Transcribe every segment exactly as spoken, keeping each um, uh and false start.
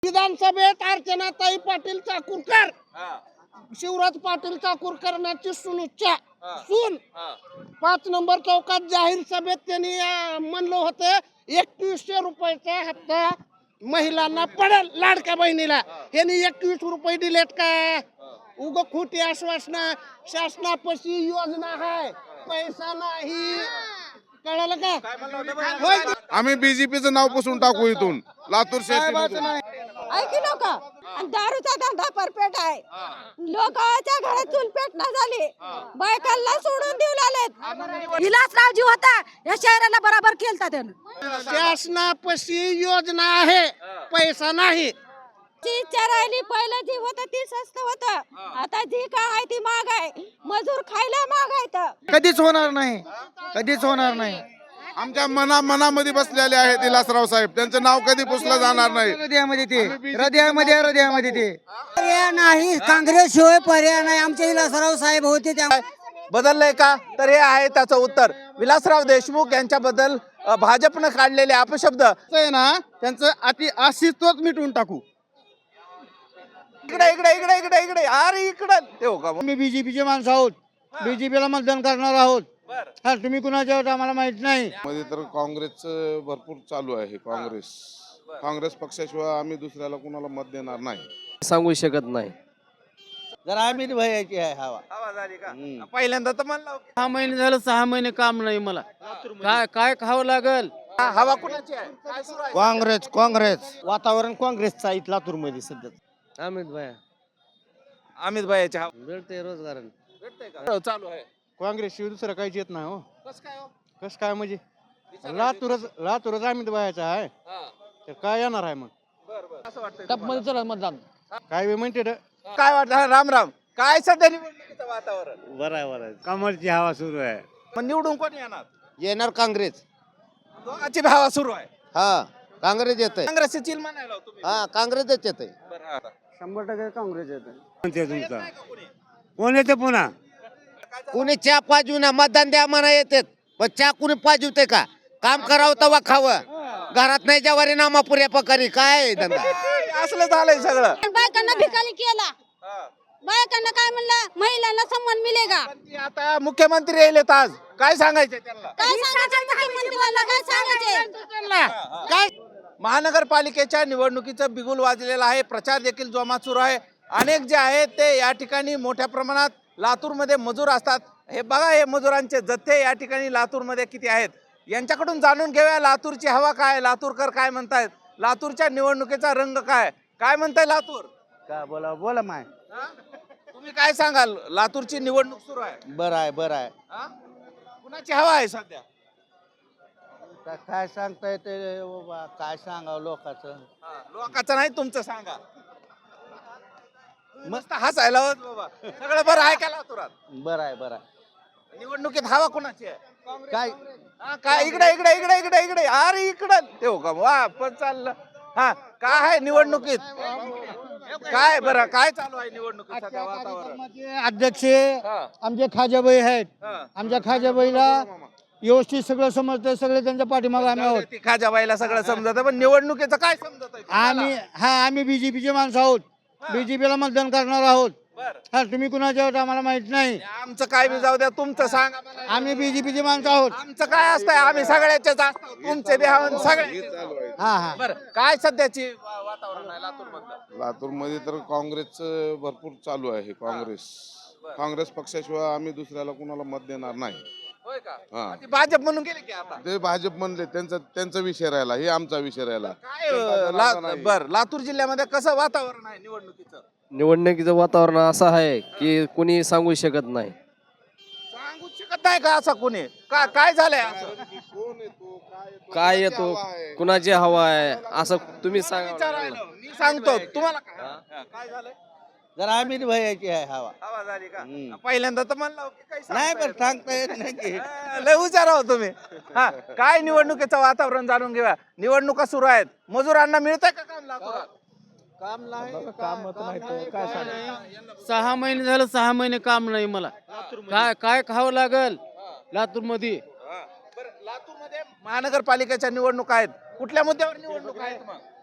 विधानसभेत अर्चनाताई पाटील चाकूरकर शिवराज पाटील चाकूरकरांची सुनुच्चा सून पाच नंबर चौकात जाहीर सभेत त्यांनी म्हणलं होतं एकवीसशे रुपयाचा हप्ता महिलांना पडेल लाडक्या बहिणीला. यांनी एकवीस रुपये दिलेत का? उग खोटी आश्वासना. शासनापाशी योजना आहे, पैसा नाही. कळालं का? आम्ही बीजेपीचं नाव पुसून टाकू इथून लातूर शहर. ऐकलं का? दारूचा धंदा परपेट आहे. लोकांच्या घरात चूल पेटना झाली, बायकांना सोडून देऊ लागलेत. विलासरावजी होता या शहराला बराबर केलता त्यानं. शासनापाशी योजना आहे, पैसा नाही. जी चरायली पहिलं जी होतं ती स्वस्त होतं, आता जी काय आहे ती महाग आहे. मजूर खायला महाग आहे. कधीच होणार नाही, कधीच होणार नाही. आमच्या मना मनामध्ये बसलेले आहेत विलासराव साहेब, त्यांचं नाव कधी पुसलं जाणार नाही. हृदयामध्ये ते हृदयामध्ये हृदयामध्ये ते पर्याय नाही. काँग्रेस शिवाय पर्याय नाही. आमचे विलासराव साहेब होते त्या बदललंय का? तर हे आहे त्याचं उत्तर. विलासराव देशमुख यांच्याबद्दल अ, भाजपनं काढलेले अपशब्द आहे ना, त्यांचं अति अस्तित्वच मिटवून टाकू. इकडे इकडे इकडे इकडे इकडे अरे इकडे ते हो का? आम्ही बीजेपीचे माणसं आहोत, बीजेपीला मतदान करणार आहोत. हा, तुम्ही कुणाच्या आहोत आम्हाला माहित नाही. मध्ये तर काँग्रेसचं भरपूर चालू आहे. काँग्रेस काँग्रेस पक्षाशिवाय आम्ही दुसऱ्याला कुणाला मत देणार नाही. सांगू शकत नाही. जरा आम्ही भयाची आहे हवा. आवाज आली का? पहिल्यांदा तर म्हणलं सहा महिने झालं, सहा महिने काम नाही मला. काय काय खावं लागल? हवा कुणाची आहे? काय सुरू आहे? काँग्रेस काँग्रेस वातावरण काँग्रेसचं आहे लातूर मध्ये सध्या. अमित भाई अमित भाईची हवा भेटते रोजगार. भेटतंय का? चालू आहे. काँग्रेस शिवाय दुसरं काहीच येत नाही हो. कसं काय हो? कसं काय म्हणजे लातूरच लातूरच अमित भायाचा आहे, हा. तर काय येणार आहे मग? बरं, बरं. असं वाटतंय टप तुम्हाला? मध्ये चला मतदान. काय बी म्हणते रे. काय वाटतं? हा, राम राम. काय सध्या निवडणुकीचं वातावरण? बरं आहे बरं आहे. कमलची हवा सुरू आहे. मग निवडून कोण येणार? येणार काँग्रेस. दोघांची हवा सुरू आहे. हा, काँग्रेस येत आहे. काँग्रेसची चिल म्हणायला हो तुम्ही. हा, काँग्रेसच येत आहे. बरं, हा. शंभर टक्के काँग्रेस येत येत नाही का कोणी? कोण येते पुन्हा? कुणी चहा पाजविना मतदान द्या म्हणा येतात, पण चहा कुणी पाजवते का? काम करावं तवा खावं. घरात नाही जवारी नामा पुऱ्या पकारी काय धंदा. असलं झालंय सगळं. बायकांना भिकारी केला. हा. बायकांना काय म्हणलं, महिलांना सन्मान मिळेगा. पण ती आता मुख्यमंत्री येलेत आज, काय सांगायचं त्यांना? काय सांगायचं मुख्यमंत्र्यांना? काय सांगायचे? काय महानगरपालिकेच्या निवडणुकीचं बिगुल वाजलेलं आहे. प्रचार देखील जोमात सुरू आहे. अनेक जे आहेत ते या ठिकाणी मोठ्या प्रमाणात लातूरमध्ये मजूर असतात. हे बघा, हे मजुरांचे जथ्थे या ठिकाणी लातूरमध्ये किती आहेत, यांच्याकडून जाणून घेऊया लातूरची हवा काय, लातूरकर काय म्हणतायत, लातूरच्या निवडणुकीचा रंग काय, काय म्हणताय लातूर? काय बोला बोला माय. हा? तुम्ही काय सांगाल? लातूरची निवडणूक सुरू आहे. बरं आहे बरं आहे. हा? कुणाची हवा आहे सध्या? का- काय सांगता येते बाबा, काय सांगावं लोकांचं. हा, लोकांचं नाही, तुमचं सांगा. मस्त हसायला होत बाबा. सगळं बरं आहे का लातूरात? बरं आहे बरं आहे. निवडणुकीत हवा कुणाची आहे? काय हा, काय इकडे इकडे इकडे इकडे इकडे अरे इकडे ते हो का? वा, पण चाललं. हा, काय आहे निवडणुकीत? काय बरं, काय चालू आहे निवडणुकीत सध्या वातावरण? अध्यक्ष हा, आमचे खाजाबाई आहेत. हा. आमच्या खाजाबाईला व्यवस्थित सगळं समजतं, सगळे त्यांच्या पाठीमागे आम्ही आहोत. ती खाजाबाईला सगळं समजत, पण निवडणुकीचं काय समजत आहे आम्ही हा आम्ही बीजेपीचे माणसं आहोत, बीजेपीला मतदान करणार आहोत. बरं. हा, तुम्ही कुणाच्या आहोत आम्हाला माहित नाही. आमचं काय बी जाऊ द्या, तुमचं सांगा मला. आम्ही बीजेपीचे माणसं आहोत. आमचं काय असतंय, आम्ही सगळ्याचेच असतो, तुमचे बी आहोत, सगळे. हा हा बरं, काय सध्याची वा- वातावरण आहे लातूर मधलं? लातूरमध्ये तर काँग्रेसचं भरपूर चालू आहे. काँग्रेस काँग्रेस पक्षाशिवाय आम्ही दुसऱ्याला कुणाला मत देणार नाही. होय का? हा. ती भाजप म्हणून गेली की आता ते भाजप म्हणले, त्यांचा त्यांचा विषय राहिला, हे आमचा विषय राहिला. काय अं, ला- बर लातूर जिल्ह्यामध्ये कसं वातावरण आहे निवडणुकीचं? निवडणुकीचं वातावरण असं आहे की कुणी सांगू शकत नाही. सांगू शकत नाही का असं कोणी? का काय झालंय असं? काय येतो, कुणाची हवा आहे असं तुम्ही सांगा. विचारायला मी सांगतो तुम्हाला काय? हा, काय झालंय? जरा आम्ही भयाची आहे हवा. आवाज आली का? पहिल्यांदा तर म्हणलं की काही नाही सांगता पण सांगता येत नाही की. येत नाही. हा, लय हुशार आहो तुम्ही. हा, काय निवडणुकीचं वातावरण जाणून घेऊया. निवडणुका सुरू आहेत, मजुरांना मिळतंय का काम लातूरात? काम नाही काम नाही काय सांगा. सहा महिने झालं, सहा महिने काम नाही मला. काय काय खावं लागल लातूर मध्ये? बरं, लातूरमध्ये महानगरपालिकेच्या निवडणुका आहेत, कुठल्या मुद्द्यावर निवडणूक आहेत मग?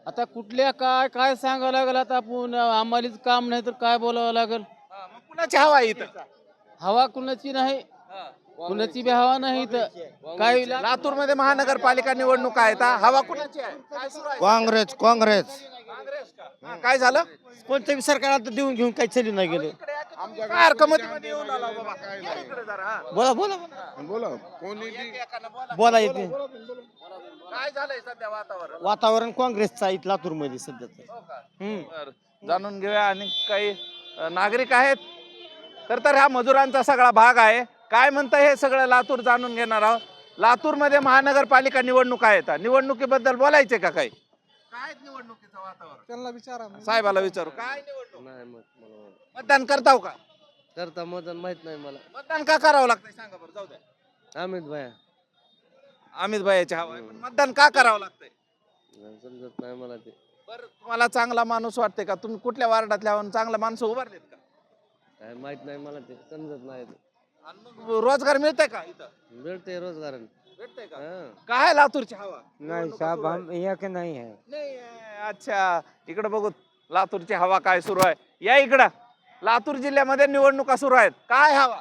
आता कुठल्या काय काय सांगावं लागेल आता आपण आम्हालाच काम नाही तर काय बोलावं लागेल. हा, मग कुणाची हवा आहे इथं? हवा कुणाची नाही, कुणाची बी हवा नाही तर काय लातूर मध्ये महानगरपालिका निवडणूक आहेत हा. हवा कुणाची आहे? काय सुरू आहे? काँग्रेस काँग्रेस काँग्रेस का? हा, काय झालं? कोणत्या सरकार देऊन घेऊन काही चालू नाही गेले. काय हरकतीमध्ये येऊन आला बाबा? या इकडे जरा, हा. बोला बोला बोला कोणी बी- एकानं बोला. बोला येते. काय झालंय सध्या वातावरण? वातावरण काँग्रेसचं आहे लातूर मध्ये सध्या तर. हो का? हम्म. बरं. जाणून घेऊया आणि काही अ, नागरिक आहेत तर तर हा मजुरांचा सगळा भाग आहे. काय म्हणतं हे सगळं लातूर जाणून घेणार आहोत. लातूर मध्ये महानगरपालिका निवडणूक आहेत. निवडणुकीबद्दल बोलायचे का काही? काय निवडणुकीचं वातावरण? त्यांना विचारा साहेबाला विचारू. काय निवडणूक? मतदान करताव का? करता मतदान माहित नाही मला. मतदान का करावं लागतंय सांगा बरं. जाऊ द्या. अमित भाया अमित भाईच्या हवा आहे. पण मतदान का करावं लागतंय? समजत नाही मला ते. बरं, तुम्हाला चांगला माणूस वाटते का? तुम्ही कुठल्या वार्डातल्या आहोत? चांगला माणसं उभारलेत का? काय माहित नाही मला ते, समजत नाही ते. आणि मग रोजगार मिळतंय का इथं? भेटते रोजगार. भेटतंय का? हा. काय लातूरची हवा? नहीं साहब हम यहाँ के नहीं है. नाही आहे. अच्छा, इकडे बघू लातूरची हवा काय सुरू आहे. या इकडं. लातूर जिल्ह्यामध्ये निवडणुका सुरू आहेत. काय हवा?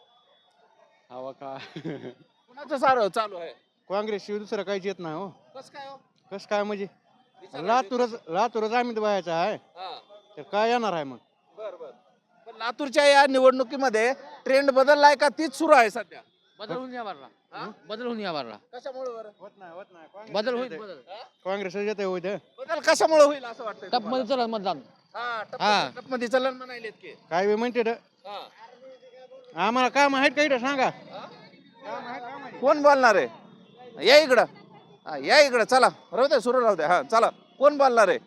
हवा का कुणाचं सारं चालू आहे? काँग्रेस शिवाय दुसरं काहीच येत नाही हो. कसं काय हो? कसं काय म्हणजे विचारा. लातूरच लातूरच अमित भायाचा आहे हा. तर काय येणार आहे मग. बर बर. पण लातूरच्या या निवडणुकीमध्ये ट्रेंड बदललाय का तीच सुरू आहे सध्या? बदल होऊन या बारला, हा? बदल होऊन या बारला, कशामुळे बरं? होत नाही होत नाही बदल होईल बदल. काँग्रेस येते होईल. बदल कशामुळे होईल असं वाटतं? टप मध्ये चला मतदान. हा, टप मध्ये चलन म्हणायलेत की. काय बी म्हणते रे. हा. आम्हाला काय माहित काही सांगा. कोण बोलणार आहे? या इकडं. हा, या इकडं. चला, राहू दे, सुरू राहू दे. हा, चला. कोण बोलणार आहे?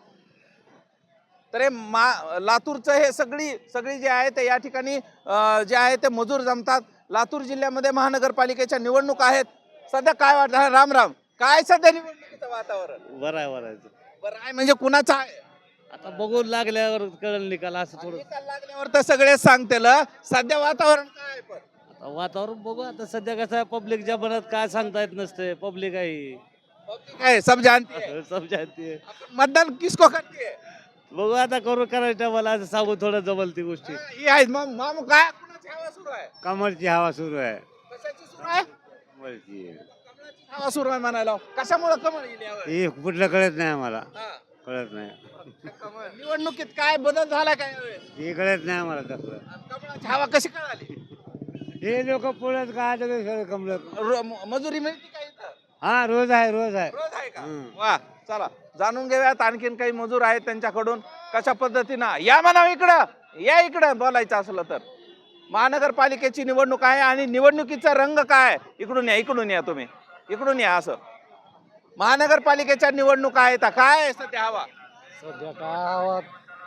तर हे मा लातूरचं हे सगळी सगळी जे आहे ते या ठिकाणी अं, जे आहे ते मजूर जमतात. लातूर जिल्ह्यामध्ये महानगरपालिकेच्या निवडणूक आहेत. सध्या काय वाटतं? हा, राम राम. काय सध्या निवडणुकीचं वातावरण? बरं आहे बरं आहे. बरं आहे म्हणजे कुणाचं आहे? आता बघून लागल्यावर कळलं निकाल असं थोडं. निकाल लागल्यावर तर सगळेच सांगतील. सध्या वातावरण काय आहे पण? आता वातावरण बघू. आता सध्या कसं आहे, पब्लिकच्या मनात काय सांगता येत नसते. पब्लिक आहे Public है, सब जानती है. समजाते. आपण मतदान किसको करते है? बघू आता करू करायचं मला असं सांगू थोडं जमल ती गोष्टी. हा, ही आहे. मग मामू काय कुणाची हवा सुरू आहे? कमळची हवा सुरू आहे. कशाची सुरू आहे? कमळची कमळाची हवा सुरू आहे म्हणायला. कशामुळे कमळ येईल यावर? हे कुठलं कळत नाही आम्हाला. हा, कळत नाही. कमळ. निवडणुकीत काय बदल झाला काय यावेळेस? हे कळत नाही आम्हाला कसलं. कमळाची हवा कशी कळाली? हे लोक पुण्यात काय सगळं कमलं. रो- म- मजुरी मिळते का इथं? हा रोज आहे रोज आहे. रोज आहे का? हम्म. वा, चला जाणून घेऊयात आणखीन काही मजूर आहेत त्यांच्याकडून कशा पद्धतीनं. या म्हणा इकडं. या इकडं बोलायचं असलं तर. महानगरपालिकेची निवडणूक आहे आणि निवडणुकीचा रंग काय? इकडून या, इकडून या तुम्ही, इकडून या. असं महानगरपालिकेच्या निवडणुका आहेत. काय आहे सध्या हवा? सध्या काय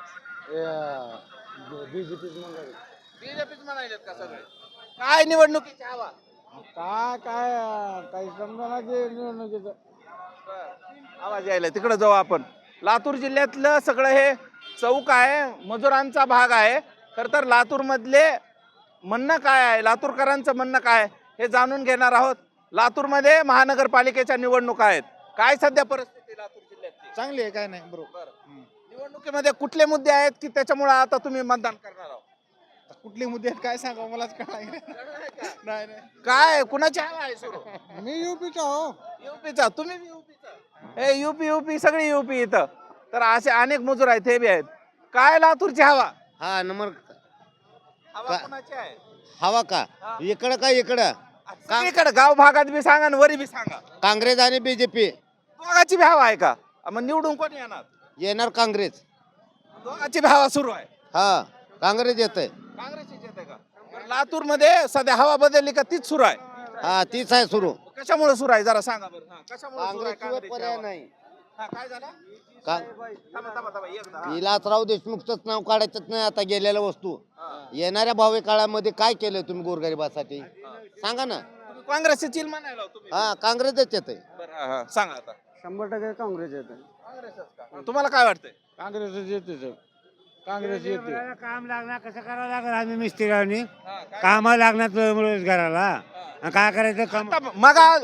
बीजेपी बीजेपीच म्हणायलेत का सगळे? काय निवडणुकीची हवा? काय काय काही समजा निवडणुकीचं. आवाज यायला तिकडे जाऊ आपण. लातूर जिल्ह्यातलं सगळं हे चौक आहे, मजुरांचा भाग आहे. खर तर लातूर मधले म्हणणं काय आहे, लातूरकरांचं म्हणणं काय हे जाणून घेणार आहोत. लातूरमध्ये महानगरपालिकेच्या निवडणुका आहेत. काय सध्या परिस्थिती लातूर जिल्ह्यातली? चांगली आहे काय नाही बरोबर. निवडणुकीमध्ये कुठले मुद्दे आहेत की त्याच्यामुळे आता तुम्ही मतदान करणार आहोत? कुठले मुद्दे आहेत काय सांगा मलाच काय नाही नाही. काय कुणाची हवा आहे सुरू? मी युपीचा हो. युपीचा. तुम्ही बी युपीचा? हे युपी युपी सगळी युपी इथं. तर असे अनेक मजूर आहेत, हे बी आहेत. काय लातूरची हवा? हा नंबर हवा का- कुणाची आहे? हवा का हा. इकडं का इकडं सगळीकडे गाव भागात बी सांगा आणि वरी बी सांगा. काँग्रेस आणि बीजेपी. दोघाची बी हवा आहे का? मग निवडून कोण येणार? येणार काँग्रेस. दोघाची बी हवा सुरू आहे. हा काँग्रेस येत आहे. काँग्रेसचीच येते का? लातूर मध्ये सध्या हवा बदलली का तीच सुरू आहे? हा तीच आहे सुरू. कशामुळे सुरू आहे जरा सांगा बरं. हा, कशामुळे सुरू आहे काँग्रेसशिवाय काँग्रेसची पर्याय हवा? नाही. हा, काय झालं? का थांबा, थांबा, थांबा, एकदा, हा. विलासराव देशमुखच नाव काढायचंच नाही आता गेलेल्या वस्तू. हा. येणाऱ्या भावी काळामध्ये काय केलं तुम्ही गोरगरिबासाठी सांगा ना. तुम्ही काँग्रेसची चिल म्हणायला हो तुम्ही. हा काँग्रेसच येत आहे. बरं, हा, हा, सांगा आता. शंभर टक्के काँग्रेस येते. काँग्रेसच का? तुम्हाला काय वाटतंय? काँग्रेसच येते. काँग्रेस येते काम लागणार कसं करावं लागेल आम्ही मिस्त्रीरावनी कामाला लागणार रोजगाराला आणि काय करायचं काम आता मग आ-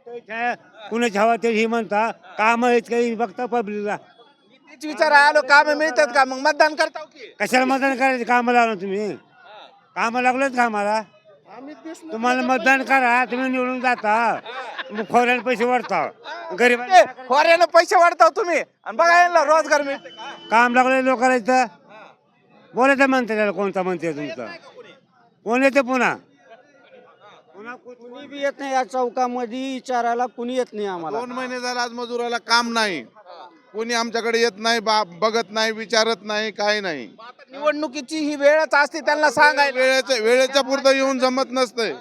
कुणाची हवा ते ही म्हणता काम काही बघता पब्लिकला तीच विचार आलो काम मिळतात का मग मतदान करताव की कशाला मतदान करायचं काम लावलं तुम्ही काम लागलंच कामाला तुम्हाला मतदान करा तुम्ही निवडून जाता मग खोऱ्याला पैसे वाढता गरीब ते खोऱ्यानं पैसे वाढताव तुम्ही आणि बघा यांना रोजगार मिळते का? काम लागले लोकांना इथं बोलायचं म्हणते त्याला कोणता म्हणते तुमचं कोण येते पुन्हा पुन्हा कुणी बी येत नाही या चौकामध्ये विचारायला कुणी येत नाही आम्हाला दोन महिने झाले आज मजुराला काम नाही, कोणी आमच्याकडे येत नाही, बा- बघत नाही, विचारत नाही, काही नाही. आता निवडणुकीची ही वेळच असते त्यांना सांगायला वेळेच्या वेळेच्या पुरतं येऊन जमत नसतंय.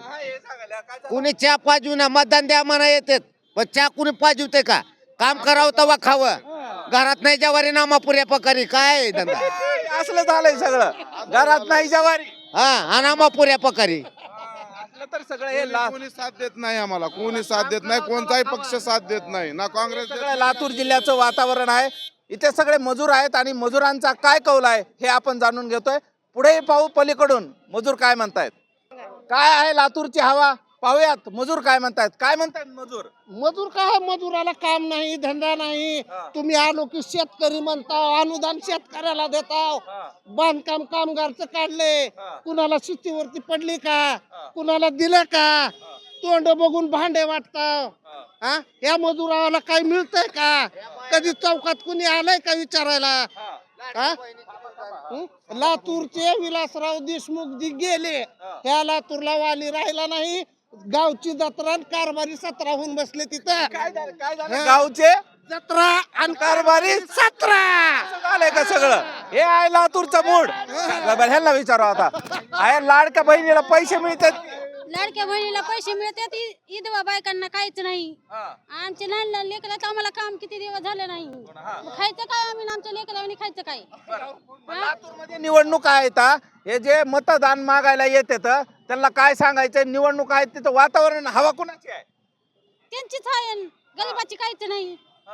कुणी चहा पाजूना मतदान द्या म्हणा येतात पण चहा कुणी पाजवते का काम करावं तवा खावं घरात नाही जवारी नामापुऱ्या पकारी काय आहे धंदा असलं झालंय सगळं घरात नाही जवारी हा हा नामापुऱ्या पकारी असलं तर सगळं हे ला- कोणी साथ देत नाही आम्हाला, कोणी साथ देत नाही, कोणताही पक्ष साथ देत नाही, ना काँग्रेस देत सगळं लातूर जिल्ह्याचं वातावरण आहे. इथे सगळे मजूर आहेत आणि मजुरांचा काय कौल आहे हे आपण जाणून घेतोय. पुढे पाहू पलीकडून मजूर काय म्हणतायत. काय आहे लातूरची हवा पाहूयात. मजूर काय म्हणतायत, काय म्हणतायत मजूर. मजूर काय मजुराला काम नाही धंदा नाही. तुम्ही आलो की शेतकरी म्हणता अनुदान शेतकऱ्याला देताव. बांधकाम कामगारचं काढले, कुणाला शेतीवरती पडली का, कुणाला दिलं का, तोंड बघून भांडे वाटताव. हा या मजुराला काही मिळतंय का, कधी चौकात कुणी आलंय का विचारायला. हा हं? लातूरचे विलासराव देशमुख जी गेले ह्या लातूरला वाली राहिला नाही. गावची जत्रा आणि कारभारी सतरा होऊन बसले तिथं. काय झालं काय झालं गावचे जत्रा आणि कारभारी सतरा झालंय का सगळं. हे आहे लातूरचं मूड. बरं, ह्यांना विचारू आता. आहे लाडक्या बहिणीला पैसे मिळतात. लाडक्या बहिणीला पैसे मिळतात इ- विधवा बायकांना काहीच नाही. आमचे लहान लहान लेकराचं आम्हाला काम किती दिवस झाले नाही. मग खायचं काय आम्ही आणि आमच्या लेकरांनी खायचं काय. लातूरमध्ये निवडणूक आहेत हा. हे जे मतदान मागायला येतात त्यांना काय सांगायचं. निवडणूक आहेत तिथं वातावरण हवा कुणाची आहे. त्यांचीच आहे गरीबाची काहीच नाही.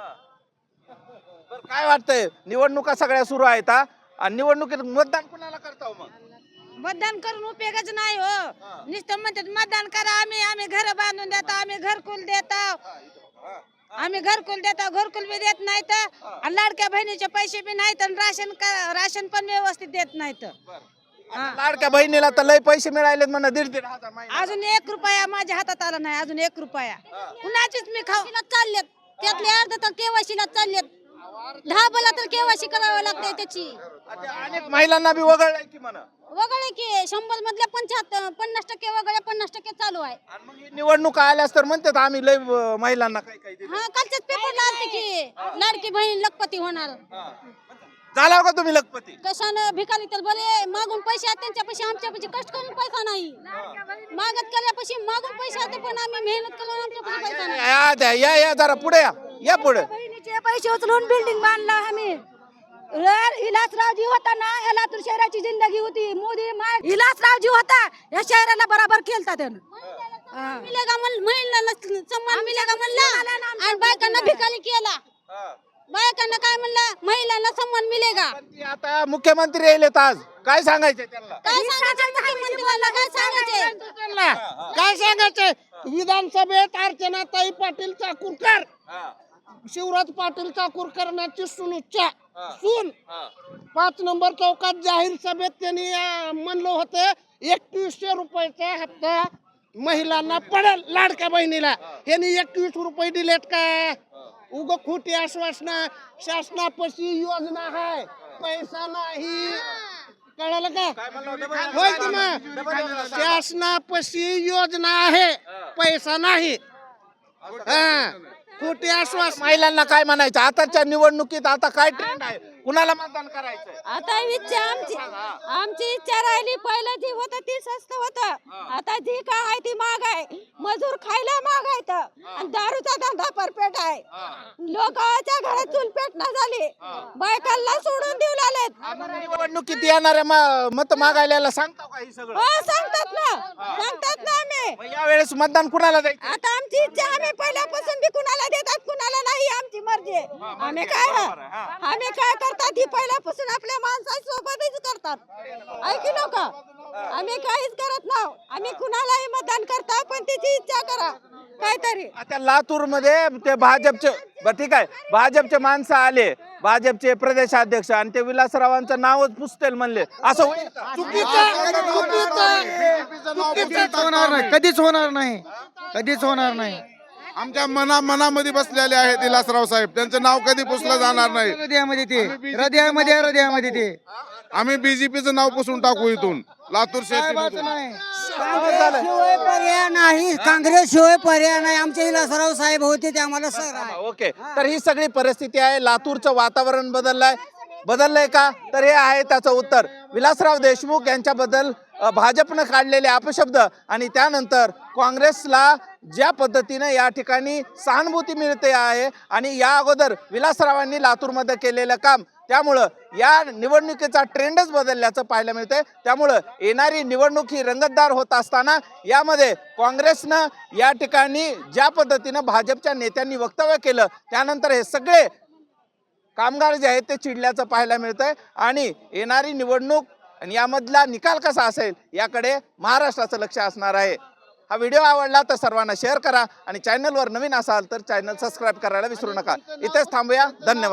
बरं, काय वाटतंय निवडणुका सगळ्या सुरू आहेत हा. आणि निवडणुकीत मतदान कुणाला करता मग. मतदान करून उपयोगच नाही हो. नुसतं म्हणतात मतदान करा आम्ही आम्ही घर बांधून देतो आम्ही घरकुल देतो आम्ही घरकुल देतो घरकुल बी देत नाहीत आणि लाडक्या बहिणीचे पैसे बी नाहीत आणि राशन का- राशन पण व्यवस्थित देत नाहीत. लाडक्या बहिणीला तर लय पैसे मिळाले म्हणा दीड दीड हजार महिना. अजून एक रुपया माझ्या हातात आला नाही. अजून एक रुपया कुणाचीच मी खाऊ चाललेत त्यातले अर्ध तर केवायसीला चाललेत. दहा बोला तर केवायसी करावं लागते त्याची. आता अनेक महिलांना बी वगळलंय की म्हणा. वगळे की शंभर मधल्या पंच्याहत्तर पन्नास टक्के वगळे पन्नास टक्के चालू आहे. आणि मग ही निवडणूक आल्यास तर म्हणतात आम्ही लय अं, महिलांना काही काही दिलं. हा कालच्याच पेपरला आलते की लाडकी बहीण लखपती होणार. झाला का तुम्ही लखपती. कशानं भिकारी तर बरे मागून पैसे आहेत त्यांच्यापाशी आमच्यापाशी कष्ट करून पैसा नाही. मागत केल्यापाशी मागून पैसे आहेत पण आम्ही मेहनत करून आमच्यापाशी पैसा नाही. या द्या, या या जरा पुढे या या पुढे. बहिणीचे पैसे उचलून बिल्डिंग बांधला आम्ही. इलासरावजी होता ना या लातूर शहराची जिंदगी होती. मोदी इलासरावजी होता या शहराला बराबर केलता त्यानं. मिलेगा म्हण महिलांना सन्मान मिलेगा म्हणला आणि बायकांना भिकारी केला. बायकांना काय म्हणलं महिलांना सन्मान मिलेगा. पण ती आता मुख्यमंत्री येलेत आज काय सांगायचं त्यांना. काय सांगायचं मुख्यमंत्र्यांना काय सांगायचे. त्यांना काय सांगायचंय. विधानसभेत अर्चनाताई पाटील चाकूरकर शिवराज पाटील चाकूरकर यांची सुनुच्चा सून पाच नंबर चौकात जाहीर सभेत त्यांनी अं, म्हणलं होतं एकवीसशे रुपयाचा हप्ता महिलांना पडेल लाडक्या बहिणीला. यांनी एकवीस रुपये दिलेत का. उग खोटी आश्वासना. शासनापाशी योजना आहे पैसा नाही. कळालं का होय की मग शासनापाशी योजना आहे पैसा नाही. हा खोटी आश्वास. महिलांना काय म्हणायचं आताच्या निवडणुकीत आता काय ट्रेंड आहे कुणाला मतदान करायचं. आता इच्छा आमची आमची इच्छा राहिली. पहिलं जी होतं ती स्वस्त होतं. आता जी काय आहे ती महाग आहे. मजूर खायला महाग आहेत आणि दारूचा धंदा परपेट आहे. लोकांच्या घरात चूल पेटणं झाली. बायकांना सोडून देऊ लागले. आलेत निवडणुकीत येणाऱ्या म- मत मागायला सांगता का हे सगळं हो सांगतात ना सांगतात ना आम्ही मग यावेळेस मतदान कुणाला द्यायचं आता आमची इच्छा आम्ही पहिल्यापासून बी कुणाला देतात कुणाला नाही आमची मर्जी आहे. आम्ही काय आम्ही काय करतात ही पहिल्यापासून आपल्या माणसासोबतच करतात ऐकी लोक आम्ही काहीच करत नाही आम्ही कुणालाही मतदान करता पण त्याची इच्छा करा काहीतरी आता लातूर मध्ये ते भाजपचे बरं ठीक आहे भाजपचे माणसं आले भाजपचे प्रदेशाध्यक्ष आणि ते विलासरावांचं नावच पुसतील म्हणले असं होईल का? कधीच होणार नाही कधीच होणार नाही कधीच होणार नाही आमच्या मना मनामध्ये बसलेले आहेत विलासराव साहेब, त्यांचं नाव कधी पुसलं जाणार नाही. हृदयामध्ये ते हृदयामध्ये हृदयामध्ये ते आम्ही बीजेपीचं नाव पुसून टाकू इथून लातूर साहेबाचं शहर. नाही शिवाय पर्याय नाही काँग्रेस शिवाय पर्याय नाही आमचे विलासराव साहेब होते ते आम्हाला सर आहे ओके तर ही सगळी परिस्थिती आहे लातूरचं वातावरण बदललंय बदललंय का तर हे आहे त्याचं उत्तर विलासराव देशमुख यांच्याबद्दल अ, भाजपनं काढलेले अपशब्द आणि त्यानंतर काँग्रेसला ज्या पद्धतीने या ठिकाणी सहानुभूती मिळते आहे आणि या अगोदर विलासरावांनी लातूरमध्ये केलेलं काम त्यामुळं या निवडणुकीचा ट्रेंडच बदलल्याचं पाहायला मिळतंय त्यामुळं येणारी निवडणूक ही रंगतदार होत असताना यामध्ये काँग्रेसनं या ठिकाणी ज्या पद्धतीनं भाजपच्या नेत्यांनी वक्तव्य केलं त्यानंतर हे सगळे कामगार जे आहेत ते चिडल्याचं पाहायला मिळतंय आणि येणारी निवडणूक आणि यामधला निकाल कसा असेल याकडे महाराष्ट्राचं लक्ष असणार आहे. हा व्हिडिओ आवडला तर सर्वांना शेअर करा आणि चॅनलवर नवीन असाल तर चॅनल सबस्क्राईब करायला विसरू नका. इथेच थांबूया. धन्यवाद.